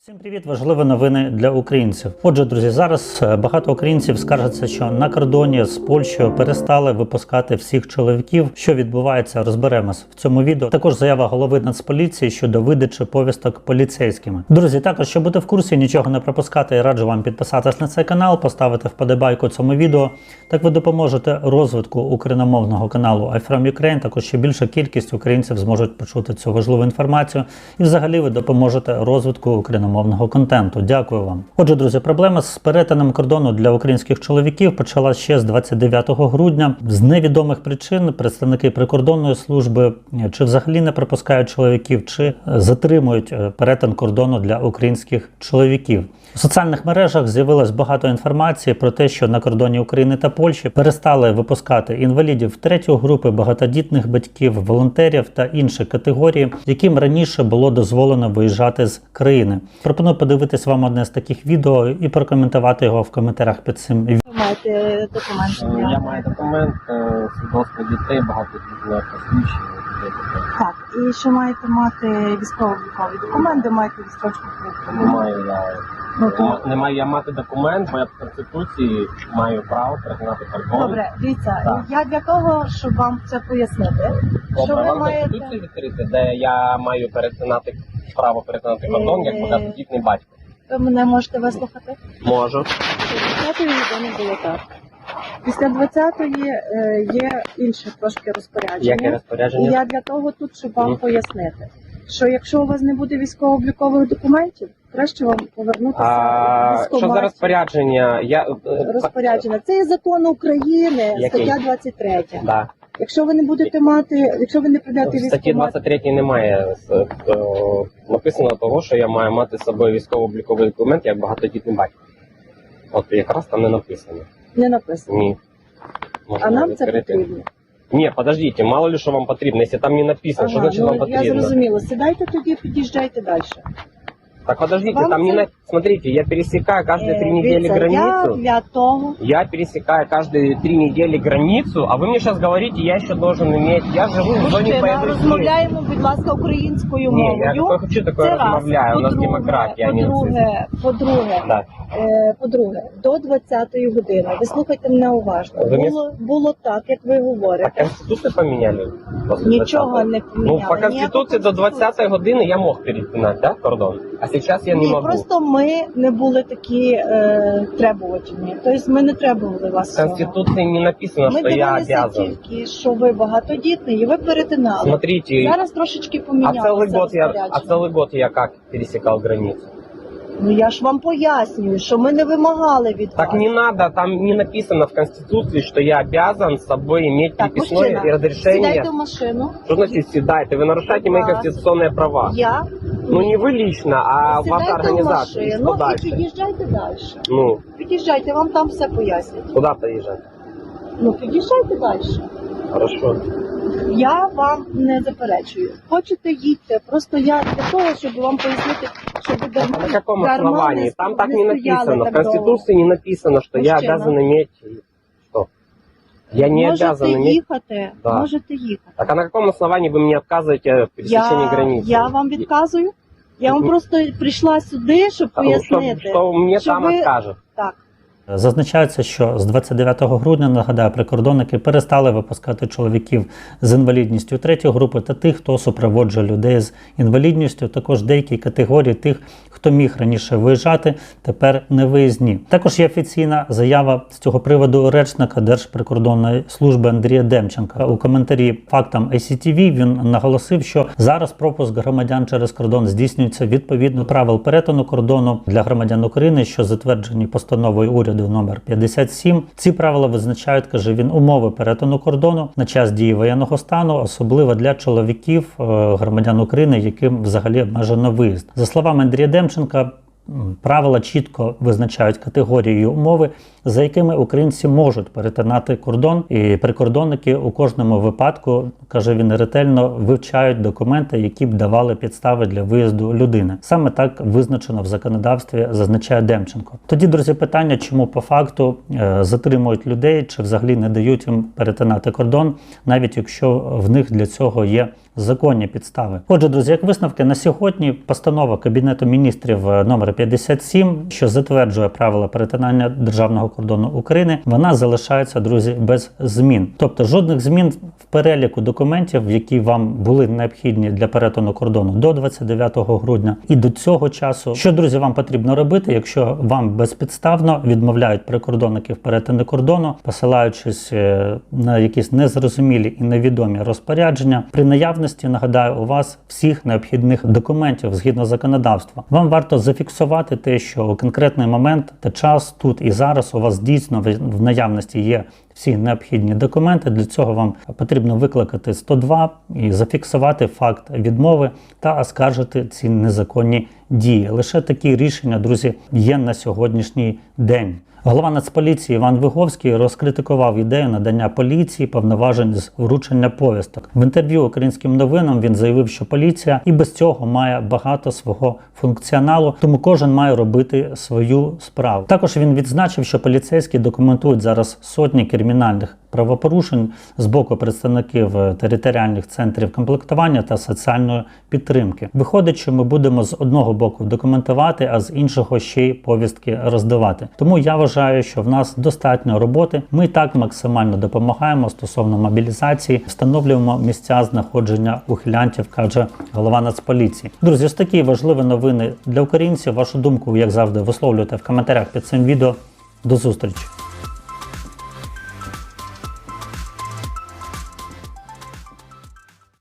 Всім привіт! Важливі новини для українців. Отже, друзі, зараз багато українців скаржаться, що на кордоні з Польщею перестали випускати всіх чоловіків. Що відбувається, розберемось в цьому відео. Також заява голови Нацполіції щодо видачі повісток поліцейськими. Друзі, також, щоб бути в курсі, нічого не пропускати, я раджу вам підписатись на цей канал, поставити вподобайку цьому відео. Так ви допоможете розвитку україномовного каналу I'm From Ukraine. Також ще більша кількість українців зможуть почути цю важливу інформацію. І взагалі ви допоможете розвитку україномовного контенту. Дякую вам. Отже, друзі, проблема з перетином кордону для українських чоловіків почалася ще з 29 грудня. З невідомих причин представники прикордонної служби чи взагалі не пропускають чоловіків, чи затримують перетин кордону для українських чоловіків. У соціальних мережах з'явилось багато інформації про те, що на кордоні України та Польщі перестали випускати інвалідів третьої групи, багатодітних батьків, волонтерів та інші категорії, яким раніше було дозволено виїжджати з країни. Пропоную подивитись вам одне з таких відео і прокоментувати його в коментарях під цим відео. Ви маєте документи? Я маю документ, свідоцтво дітей, багатодітних посвідчень. Так, і ще маєте мати військово-облікові документи, маєте відстрочку Не маю я. Ну, то... Не маю я мати документ, бо я по Конституції маю право перетинати кордон. Добре, дивіться, Так. я для того, щоб вам це пояснити, що Добре, ви вам маєте... Конституцію відкрити, де я маю право перетинати кордон, як багатодітний батько. Ви мене можете вислухати? Можу. 20-ї не було так. Після 20-ї є інше трошки розпорядження. Яке І розпорядження? я для того тут, щоб вам пояснити, що якщо у вас не буде військово-облікових документів, краще вам повернутися в Що за військкомат. розпорядження? Розпорядження. Це є закон України, Який? стаття 23. Да. Якщо ви не будете мати, якщо ви не прийдете В статті військкомат, 23 немає написано того, що я маю мати з собою військово-обліковий документ як багатодітний батько. От якраз там не написано. не написано. Ні. Можна А нам це відкрити. потрібно. Ні, подождите, мало ли що вам потрібно. Якщо там не написано, що значить вам я потрібно? зрозуміла. Сідайте тоді, під'їжджайте далі. Так подождите, Вам там це- не на... Смотрите, я пересекаю каждые 3 недели Дивіться, я границу. для того, Я пересекаю каждые 3 недели границу, а вы мне сейчас говорите, я еще должен иметь... Я живу в зоне мужчина, боевых действий. розмовляємо, будь ласка, українською Ні, я мовою. такое хочу, такое Це раз. розмовляю. У нас демократія, а не нацизм. По-друге, Да. по-друге, до 20-ї години, ви слухайте мене уважно, Ви мені- було так, як ви А говорите. Конституцию поменяли? после Нічого 20-ї? не Ну, поміняли. по Конституции до 20-ї години я мог перетинать, да, кордон? А сейчас я не Ні, могу. просто ми не були такі требувачні. Тобто ми не требували вас В цього. Конституции не написано, Ми что я дивилися обязан. тільки, що ви багатодітний і ви перетинали. Смотрите, Зараз трошечки а помінялося целый год я как пересекал границу? Ну я ж вам пояснюю, що ми не вимагали від Так вас. не надо, там не написано в Конституции, что я обязан с собой иметь Так, переписное мужчина, разрешение. сідайте в машину. Что значит седайте? Вы нарушаете мои Да. конституционные права. Я Ну не вы лично, а ваша сідайте в организация. Что машину і дальше? під'їжджайте далі. Ну, Під'їжджайте, вам там все пояснять. куда поезжать? Ну під'їжджайте далі. Хорошо. Я вам не заперечую. Хочете їдьте. Просто я для того, щоб вам пояснити, щоб ви А на каком основании? Там так не написано. В Конституции не написано, что я Мужчина. обязан иметь... Что? Я не Можете обязан иметь... їхати, Да. можете їхати. Так а на каком основании вы мне отказываете в пересечении границы? Я вам відказую. Я вам просто прийшла сюди, щоб А, пояснити. Что мне що там ви- откажет? Так. Зазначається, що з 29 грудня, нагадаю, прикордонники перестали випускати чоловіків з інвалідністю третьої групи та тих, хто супроводжує людей з інвалідністю. Також деякі категорії тих, хто міг раніше виїжджати, тепер не виїзні. Також є офіційна заява з цього приводу речника Держприкордонної служби Андрія Демченка. У коментарі фактам ICTV він наголосив, що зараз пропуск громадян через кордон здійснюється відповідно до правил перетину кордону для громадян України, що затверджені постановою уряду номер 57. Ці правила визначають, каже він, умови перетину кордону на час дії воєнного стану, особливо для чоловіків, громадян України, яким взагалі обмежено виїзд. За словами Андрія Демченка, правила чітко визначають категорії і умови, за якими українці можуть перетинати кордон. І прикордонники у кожному випадку, каже він, ретельно вивчають документи, які б давали підстави для виїзду людини. Саме так визначено в законодавстві, зазначає Демченко. Тоді, друзі, питання, чому по факту затримують людей, чи взагалі не дають їм перетинати кордон, навіть якщо в них для цього є законні підстави. Отже, друзі, як висновки на сьогодні, постанова Кабінету міністрів номер 57, що затверджує правила перетинання державного кордону України, вона залишається, друзі, без змін. Тобто жодних змін в переліку документів, які вам були необхідні для перетину кордону до 29 грудня і до цього часу. Що, друзі, вам потрібно робити, якщо вам безпідставно відмовляють прикордонники в перетині кордону, посилаючись на якісь незрозумілі і невідомі розпорядження, при наявності, нагадаю, у вас всіх необхідних документів згідно законодавства. Вам варто зафіксувати те, що у конкретний момент та час тут і зараз у вас дійсно в наявності є всі необхідні документи. Для цього вам потрібно викликати 102 і зафіксувати факт відмови та оскаржити ці незаконні дії. Лише такі рішення, друзі, є на сьогоднішній день. Голова Нацполіції Іван Виговський розкритикував ідею надання поліції повноважень з вручення повісток. В інтерв'ю Українським новинам він заявив, що поліція і без цього має багато свого функціоналу, тому кожен має робити свою справу. Також він відзначив, що поліцейські документують зараз сотні кримінальних правопорушень з боку представників територіальних центрів комплектування та соціальної підтримки. Виходить, що ми будемо з одного боку документувати, а з іншого ще й повістки роздавати. Тому я вважаю, що в нас достатньо роботи. Ми так максимально допомагаємо стосовно мобілізації, встановлюємо місця знаходження ухилянтів, каже голова Нацполіції. Друзі, ось такі важливі новини для українців. Вашу думку, як завжди, висловлюйте в коментарях під цим відео. До зустрічі!